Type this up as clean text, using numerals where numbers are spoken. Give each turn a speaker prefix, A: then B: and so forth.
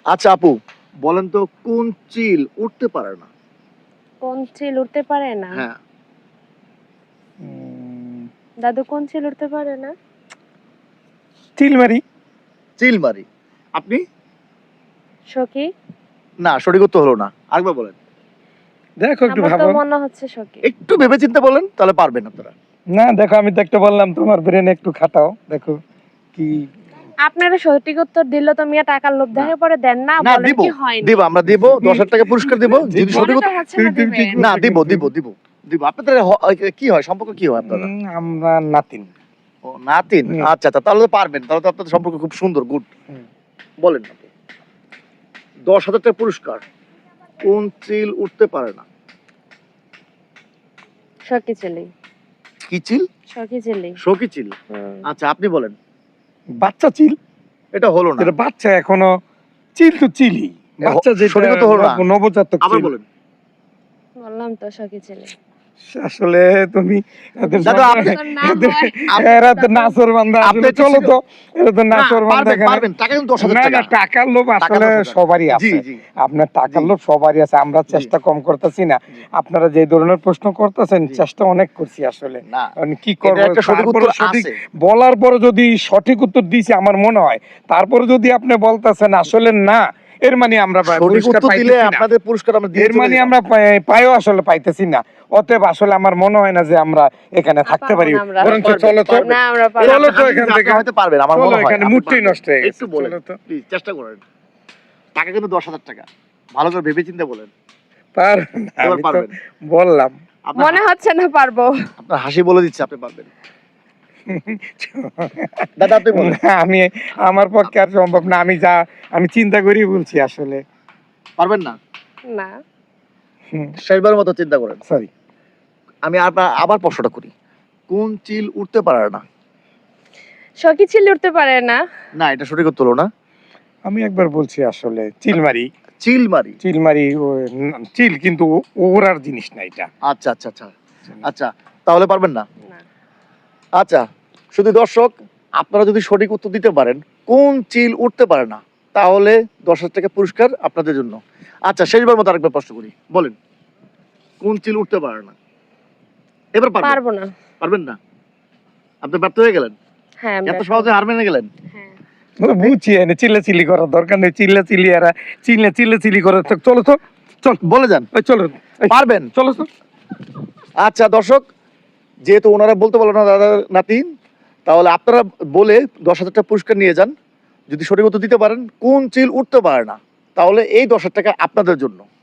A: আচ্ছা আপু, বলেন তো কোন চিল উঠতে পারে না?
B: কোন চিল উঠতে পারে না?
A: হ্যাঁ।
B: দাদু কোন চিল উঠতে পারে না?
C: চিলমারি।
A: চিলমারি। আপনি?
B: সখী।
A: না, সঠিক উত্তর হলো না। আরেকবার বলেন।
C: দেখো একটু
B: আমার তো
C: ভাবো।
B: মনে হচ্ছে সখী।
A: একটু ভেবে চিন্তে বলেন, তাহলে পারবেন আপনারা।
C: না দেখো, আমি তো একটা বললাম, তোমার ব্রেন একটু খাটাও, দেখো কি।
B: আপনারা সঠিক উত্তর দিল তো মিয়া টাকার লোভ দেখে পরে দেন না,
A: না,
B: বলেন
A: দিব
B: কি হয়নি?
A: দিব, আমরা দিব 10,000 টাকা পুরস্কার দিব যদি সঠিক
B: মনে তো
A: উত্তর।
B: হচ্ছে না দিবেন।
A: না, দিব দিব দিব দিব। আপনাদের কি হয়, সম্পর্ক কি হয় আপনারা?
C: আমরা নাতিন।
A: ও নাতিন। আচ্ছা আচ্ছা, তাহলে তো পারবেন, তাহলে তো আপনাদের সম্পর্ক খুব সুন্দর, গুড। বলেন আপু। 10,000 টাকা পুরস্কার। কোন চিল উঠতে পারে না?
B: সখী চিলি।
A: কি চিল?
B: সখী চিলি।
A: সখী চিল। আচ্ছা আপনি বলেন।
C: বাচ্চা চিল।
A: এটা হলো না।
C: এটা বাচ্চা এখনো, চিল তো চিলি। বাচ্চা যেটা
A: সঠিক উত্তর হলো না।
C: নবজাতক
A: আবার
C: চিল।
A: বলেন।
B: বললাম তো সখী চিলি।
C: আসলে তুমি এদের
A: দাদা, আপনি
B: না হয়।
C: এরা তো নাচর বান্দা,
A: আপনি
C: আসলে চলো তো, এরা তো
A: না,
C: নাচর বান্দা
A: পারবেন
C: এখানে।
A: পারবেন, টাকা কিন্তু 10,000
C: না
A: টাকা।
C: না, টাকার লোভ
A: টাকা
C: আসলে
A: 10,000
C: সবারই
A: জি
C: আছে।
A: জি
C: আপনার টাকার
A: জি।
C: লোভ সবারই আছে, আমরা চেষ্টা কম করতেছি না।
A: জি।
C: আপনারা যে ধরনের প্রশ্ন করতেছেন,
A: জি।
C: চেষ্টা অনেক করছি আসলে।
A: না,
C: মানে কি
A: এটা
C: করবো,
A: একটা সঠিক
C: তারপরে
A: উত্তর
C: সঠিক
A: আছে।
C: বলার পরে যদি সঠিক উত্তর দিছি আমার মনে হয়, তারপরে যদি আপনি বলতেছেন আসলে না, এর মানে আমরা
A: সঠিক
C: পুরস্কার
A: উত্তর দিলে
C: পাইতেছি না।
A: আপনাদের পুরস্কার আমরা দিয়ে
C: এর
A: চলে
C: মানে
A: যেতাম।
C: আমরা পাইও আসলে পাইতেছি না। অতএব আসলে আমার মনে হয় না যে আমরা এখানে থাকতে পারি।
B: পারবো না আমরা।
C: বরঞ্চ
A: পারবেন,
C: চলো তো,
A: পারবেন।
B: না আমরা
A: এই
B: পারবো
C: চলো
B: না।
C: তো
A: আপনি
C: এখান থেকে।
A: হয়তো পারবেন, আমার
C: চলো,
A: মনে হয়
C: এখানে
A: আপনি
C: মুডটাই
A: পারবেন।
C: নষ্ট হয়ে গেছে।
A: একটু বলেন
C: চলো তো।
A: প্লিজ, চেষ্টা করেন। টাকা কিন্তু 10,000 টাকা। ভালো করে ভেবে চিন্তে বলেন। এবার
C: আমি তো
A: পারবেন।
C: বললাম।
B: মনে হচ্ছে না পারবো।
A: আপনার হাসি বলে দিচ্ছে আপনি পারবেন। দাদা আপনি বলেন।
C: না, আমি আমার পক্ষে আর সম্ভব না। আমি চিন্তা করি বলছি আসলে।
A: পারবেন না?
B: না।
A: শেষবার মতো চিন্তা করেন।
C: সরি।
A: আমি আবার প্রশ্নটা করি। কোন চিল উঠতে পারে না?
B: সখী চিলি উঠতে পারে না?
A: না, এটা সঠিক উত্তর হলো না।
C: আমি একবার বলছি আসলে, চিলমারি।
A: চিলমারি।
C: চিলমারি চিল, কিন্তু ওরার জিনিস না এটা।
A: আচ্ছা আচ্ছা আচ্ছা আচ্ছা, তাহলে পারবেন না।
B: না।
A: আচ্ছা, শুধু দর্শক, আপনারা যদি সঠিক উত্তর দিতে পারেন কোন চিল উঠতে পারে না, তাহলে 10,000 টাকা পুরস্কার আপনাদের জন্য। আচ্ছা, শেষবার মতো আরেকবার প্রশ্ন করি, বলেন কোন চিল উঠতে পারে না? এবার পারবেন?
B: পারবো না।
A: পারবেন না? আপনি ব্যর্থ হয়ে গেলেন,
B: হ্যাঁ
A: এত সহজে হার মেনে গেলেন।
B: হ্যাঁ।
C: বুঝছি, চিল্লাচিল্লি করার দরকার নেই। চিল্লাচিল্লি এরা চিল্লাচিল্লি করে। চলো তো, চল
A: বলে যান।
C: চলো,
A: পারবেন?
C: চলো তো।
A: আচ্ছা দর্শক, যেহেতু ওনারা বলতে পারলো না দাদা নাতিন, তাহলে আপনারা বলে 10,000 টাকা পুরস্কার নিয়ে যান। যদি সঠিক উত্তর দিতে পারেন কোন চিল উঠতে পারে না, তাহলে এই 10,000 টাকা আপনাদের জন্য।